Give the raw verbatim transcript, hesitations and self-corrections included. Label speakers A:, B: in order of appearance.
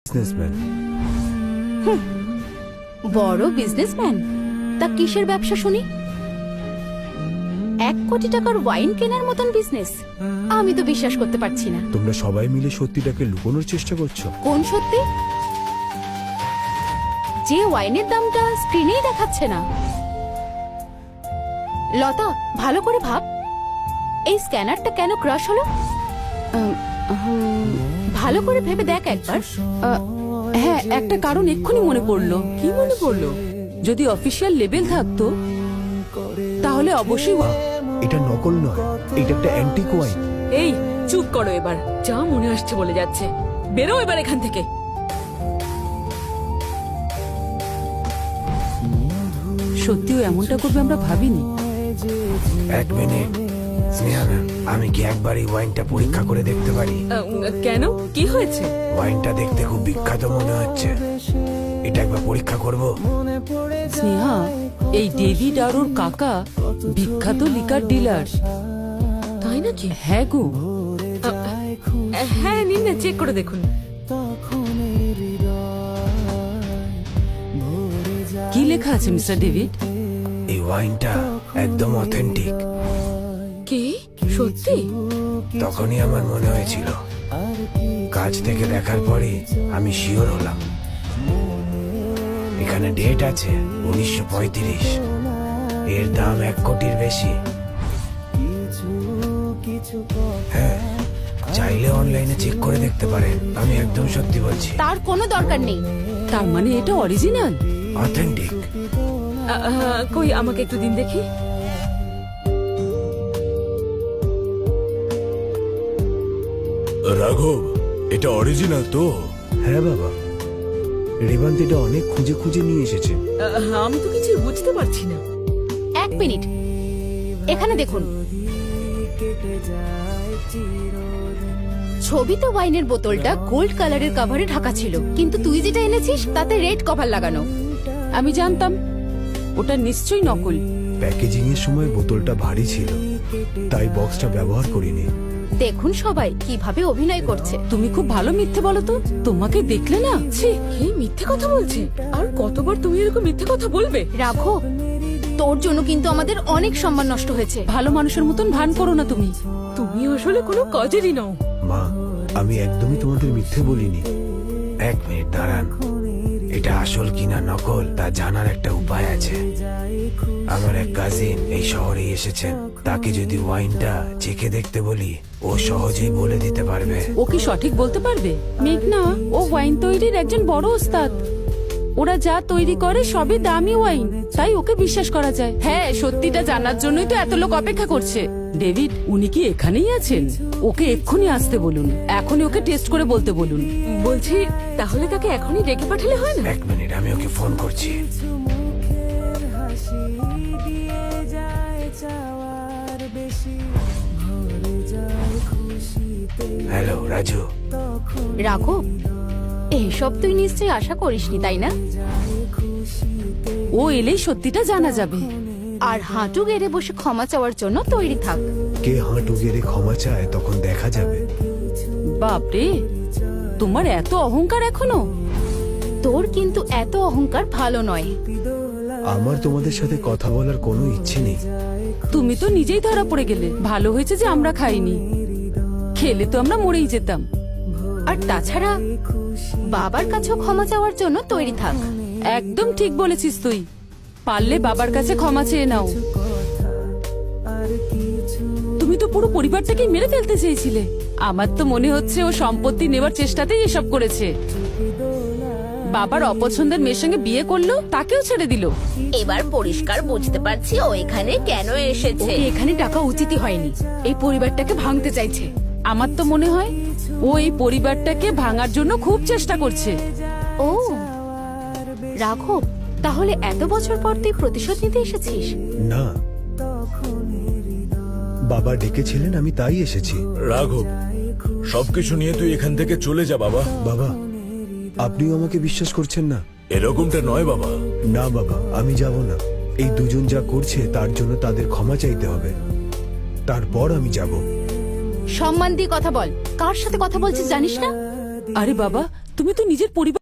A: Businessman.
B: বড় businessman? তা কিসের ব্যবসা শুনি? এক কোটি টাকার ওয়াইন কেনার মতন বিজনেস? আমি তো বিশ্বাস করতে পারছি না।
A: তোমরা সবাই মিলে সত্যিটাকে লুকোনোর চেষ্টা করছো।
B: কোন সত্যি? যে ওয়াইনের দামটা স্ক্রিনেই দেখাচ্ছে না। লতা, ভালো করে ভাব, এই স্ক্যানারটা কেন ক্রাশ হলো? ভালো করে ভেবে দেখ একবার।
C: হ্যাঁ, একটা কারণ এক্ষুনি মনে পড়লো। কি মনে পড়লো? যদি অফিসিয়াল লেবেল থাকতো তাহলে অবশ্যই।
A: এটা নকল নয়, এটা একটা অ্যান্টিক ওয়াইন।
C: এই চুপ করো এবার, যা মনে আসছে বলে যাচ্ছে। বেরো এবার এখান থেকে। সত্যিও এমনটা করবে আমরা ভাবিনি।
D: এক মিনিট স্নেহা ম্যাম, আমি কি একবার এই ওয়াইনটা পরীক্ষা করে দেখতে পারি?
C: কেন, কি হয়েছে?
D: ওয়াইনটা দেখতে খুব বিখ্যাত মনে হচ্ছে, এটা একবার পরীক্ষা করব।
C: স্নেহা, এই ডেভিড আর ওর কাকা বিখ্যাত লিকার ডিলার। তাই নাকি? হ্যাঁ গো। হ্যাঁ, নিন না, চেক করে দেখুন। কি লেখা আছে মিস্টার ডেভিড?
D: এই ওয়াইনটা একদম অথেন্টিক।
C: কি সত্যি?
D: তখনই আমার মনে হয়েছিল, কাছ থেকে দেখার পরে আমি শিওর হলাম। এখানে ডেট আছে উনিশশো পঁয়ত্রিশ, এর দাম এক কোটির বেশি। হ্যাঁ, চাইলে অনলাইনে চেক করে দেখতে পারেন, আমি একদম সত্যি বলছি।
B: তার কোনো দরকার নেই।
C: তার মানে এটা অরিজিনাল,
D: অথেন্টিক।
C: কই আমাকে একটু দিন দেখি।
E: রাঘব, এটা অরিজিনাল তো?
A: হ্যাঁ বাবা, রেবান্ত এটা অনেক খুঁজে খুঁজে নিয়ে এসেছে।
C: আমি তো কিছু বুঝতে পারছি না।
B: এক মিনিট, এখানে দেখুন। ছবিতে ওয়াইনের বোতলটা গোল্ড কালারের কভারে ঢাকা ছিল, কিন্তু তুই যেটা এনেছিস তাতে রেড কভার লাগানো।
C: আমি জানতাম ওটা নিশ্চয়ই নকল।
A: প্যাকেজিং এর সময় বোতলটা ভারী ছিল, তাই বক্সটা ব্যবহার করিনি।
B: দেখুন সবাই কিভাবে অভিনয় করছে।
C: তুমি খুব ভালো মিথ্যে বলো তো। তোমাকে দেখলে না, ছি, কি মিথ্যে কথা বলছে। আর কতবার তুমি এরকম মিথ্যে কথা বলবে?
B: রাখো, তোর জন্য কিন্তু আমাদের অনেক সম্মান নষ্ট হয়েছে।
C: ভালো মানুষের মতন ভান করো না তুমি। তুমি আসলে কোনো কাজেরই নও।
A: মা, আমি একদমই তোমাদের মিথ্যে বলিনি।
D: এক মিনিট দাঁড়ান, এটা আসল কিনা নকল তা জানার একটা উপায় আছে। আমার এক কাজিন এই শহরে এসেছেন, তাকে যদি ওয়াইনটা চেখে দেখতে বলি, ও সহজেই বলে দিতে পারবে।
C: ও কি সঠিক বলতে পারবে? মেঘনা, ও ওয়াইন তৈরির একজন বড় ওস্তাদ। ওরা যা তৈরি করে সবই দামি ওয়াইন, তাই ওকে বিশ্বাস করা যায়। হ্যাঁ, সত্যিটা জানার জন্যই তো এত লোক অপেক্ষা করছে। ডেভিড, উনি কি এখানেই আছেন? ওকে এক্ষুনি আসতে বলুন, এখনই ওকে টেস্ট করে বলতে বলুন। বলছি, তাহলে তাকে এখনই ডেকে পাঠালে হয় না?
D: এক মিনিট, আমি ওকে ফোন করছি। হ্যালো রাজু।
B: রাখো, এইসব তুই নিশ্চয়ই আশা করিসনি, তাই না?
C: ও এলেই সত্যিটা জানা যাবে।
B: আর হাঁটু গেড়ে বসে ক্ষমা চাওয়ার জন্য তৈরি থাক।
A: কে হাঁটু গেড়ে ক্ষমা চায় তখন দেখা যাবে।
C: বাপরে, তোমার এত অহংকার এখনো?
B: তোর কিন্তু এত অহংকার ভালো নয়।
A: আমার তোমাদের সাথে কথা বলার কোনো ইচ্ছে নেই।
C: তুমি তো নিজেই ধরা পড়ে গেলে। ভালো হয়েছে যে আমরা খাইনি, খেলে তো আমরা মরেই যেতাম।
B: আর তাছাড়া বাবার কাছেও ক্ষমা চাওয়ার জন্য তৈরি থাক।
C: একদম ঠিক বলেছিস তুই। পারলে বাবার কাছে ক্ষমা চেয়ে নাও। তুমি তো পুরো পরিবারটাকেই মেরে ফেলতে চেয়েছিলে। আমার তো মনে হচ্ছে ও সম্পত্তি নেবার চেষ্টাতেই এসব করেছে। বাবার অপছন্দের মেয়ের সঙ্গে বিয়ে করলো, তাকেও ছেড়ে দিল।
B: এবার পরিষ্কার বুঝতে পারছি ও এখানে কেন এসেছে। এখানে টাকা উচিতই হয়নি, এই পরিবারটাকে ভাঙতে চাইছে।
C: আমার তো মনে হয় ও এই পরিবারটাকে ভাঙার জন্য খুব চেষ্টা করছে।
B: ও রাঘব, তাহলে এত বছর পর তুই প্রতিশোধ নিতে এসেছিস?
A: না, বাবা ডেকেছিলেন, আমি তাই এসেছি।
E: রাঘব, সবকিছু নিয়ে তুই এখান থেকে চলে যা বাবা।
A: বাবা, আপনিও আমাকে বিশ্বাস করছেন না?
E: এরকমটা নয় বাবা।
A: না বাবা, আমি যাব না। এই দুজন যা করছে তার জন্য তাদের ক্ষমা চাইতে হবে, তারপর আমি যাব।
B: সম্মান দিয়ে কথা বল। কার সাথে কথা বলছিস জানিস না?
C: আরে বাবা, তুমি তো নিজের পরিবার